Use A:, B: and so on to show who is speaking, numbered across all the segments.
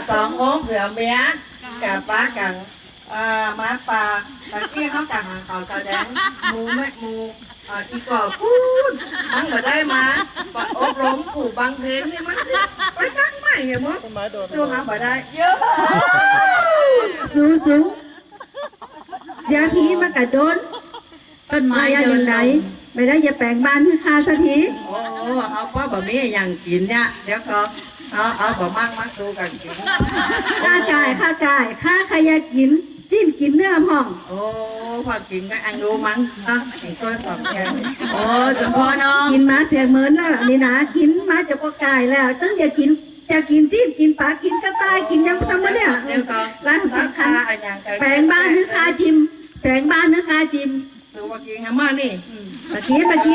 A: 2 องค์เผื่อเมียกับป้ากับม้าป่าตะกี้เขากับหางเขาแสดงมูแม่มูอีกอพูดมันมาได้มาอบรมผู้บางเพลงนี่มันไปตั้งใหม่เหรอมั้งตัวหาบ่ได้เยอะ
B: สูเสียผีมากระโดนต้นไม้อย่างไรไม่ได้อย่าแปลงบ้านคือคาสักที
A: โอ้เอาเพราะแบบนี้อย่างกินเนี่ยเดี๋ยวก็เอาแบบมั่งสู้กันกิน
B: ค่าจ่ายค่าใครอยากกินจิ้มกินเนื้อพ่อง
A: โอ้พอกินก็อันรู้มั้งกินตัว2 แก้ว
C: โอ้สมพรน้อง
B: กินมาเถียงเหมือนแล้วนี่นะกินมาจะพอกายแล้วจังอย่ากินจิ้มกินปลากินกระต่ายกินยังทำมาเนี่ยร้านสาขาแปลงบ้านคือคาจิมแปลงบ้านคือคาจิม
A: สู้มากินฮะมานี่
B: มากินกินเลย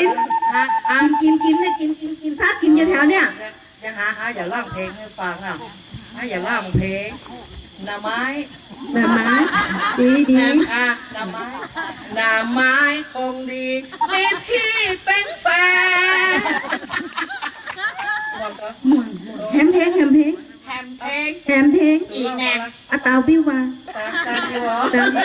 B: กินซากินอยู่แถวเนี่ย
A: อย่าอย่าร้องเพลงให้ฟังอย่าร้องเพลงหน้าไม้
B: ดี
A: หน้าไม้คงดีมีพี่เป็นแฟน
B: แฮมเพลง
C: อีกแน่
B: ตาวิวา
A: ตาวิว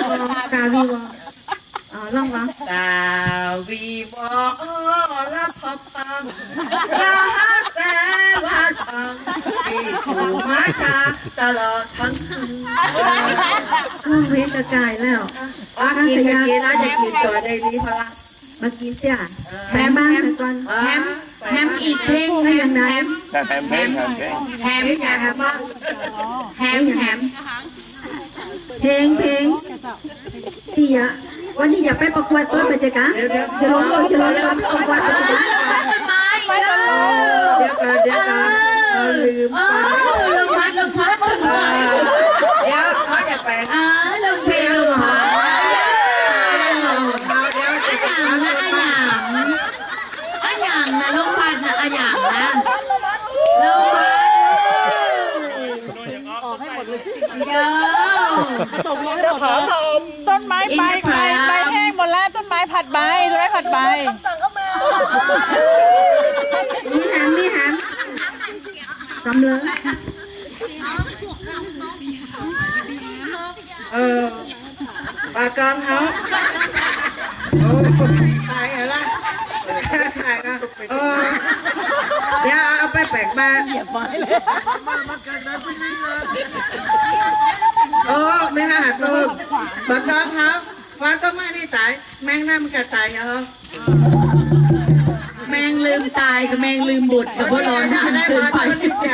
B: ลอง
A: ตาวิวรับฟังราแสว่าชังที่ถูกมาจากตลอดทั้งคืน
B: ช่วงเวทกายแล้ว
A: กินนะจะกินตัวได้ดีพลัง
B: มากินจ้ะแฮมบ้างก่อน
C: แฮมอีกเพลงแฮม
B: เพลงที่วันนี้อย่าไปประกวดต้นไปเจ๊กะจะลงประกวดต้น
A: เดี๋ยวลืม
C: ลงพัดต้นไม้
A: เดี๋ยวเขาจะไป
C: ลงเพลงลงพัดอันอย่างนะลงพัดนะอันอย่างนะลงพัดเยอะ
D: ต้นไม้ใบแห้งหมดแล้วต้นไม้ผัดใบ
B: มีแฮมจำเลย
A: ปากกองเขาตายอะไรเดี๋ยวเอาไปแปลกบ้านไม่หาตัวปากกองเขาฟ้าก็ไม่ได้ตายแมงน้ำมันก็ตายเหรอ
C: แมงลืมตายกับแมงลืมบุตรกับพวกเรานานเกินไป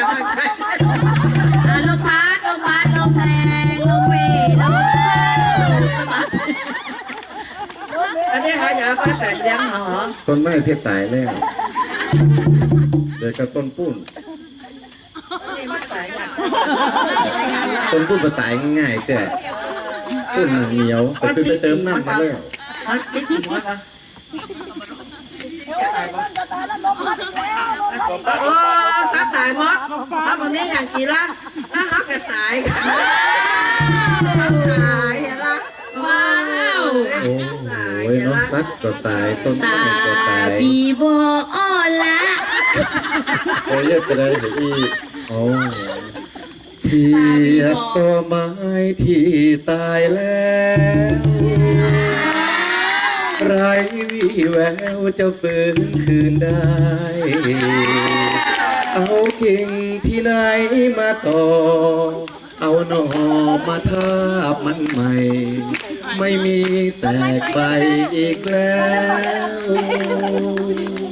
C: ลงพัดลงแรงลงเวลงพัด
A: อันนี้เขาอยากไปแปลกเลี้ยงเหรอ
E: ต้นไม้เพชรตายแล้วเดี๋ยวกับต้นปุ้นมาตายง่ายๆแต่ต้นเหนียวแต่คือไปเติมน้ำมาแล้ว
A: คิดหัวกันถ้าตายหมดถ้าวันนี้อย่างกี่ละถ้าเขาก็ตายละ
C: ว้าว
E: โอ้ยน้องซัดก็ตายต้นก็ตาย
C: บีโบอ้อละ
E: เยอะไปเลยเดี๋ยวอีโอ้เพียบตัวไม้ที่ตายแล้วไรวี่แววจะฟื้นคืนได้เอากิ่งที่ไหนมาต่อเอาหน่อมาทาบมันใหม่ไม่มีแตกใบอีกแล้ว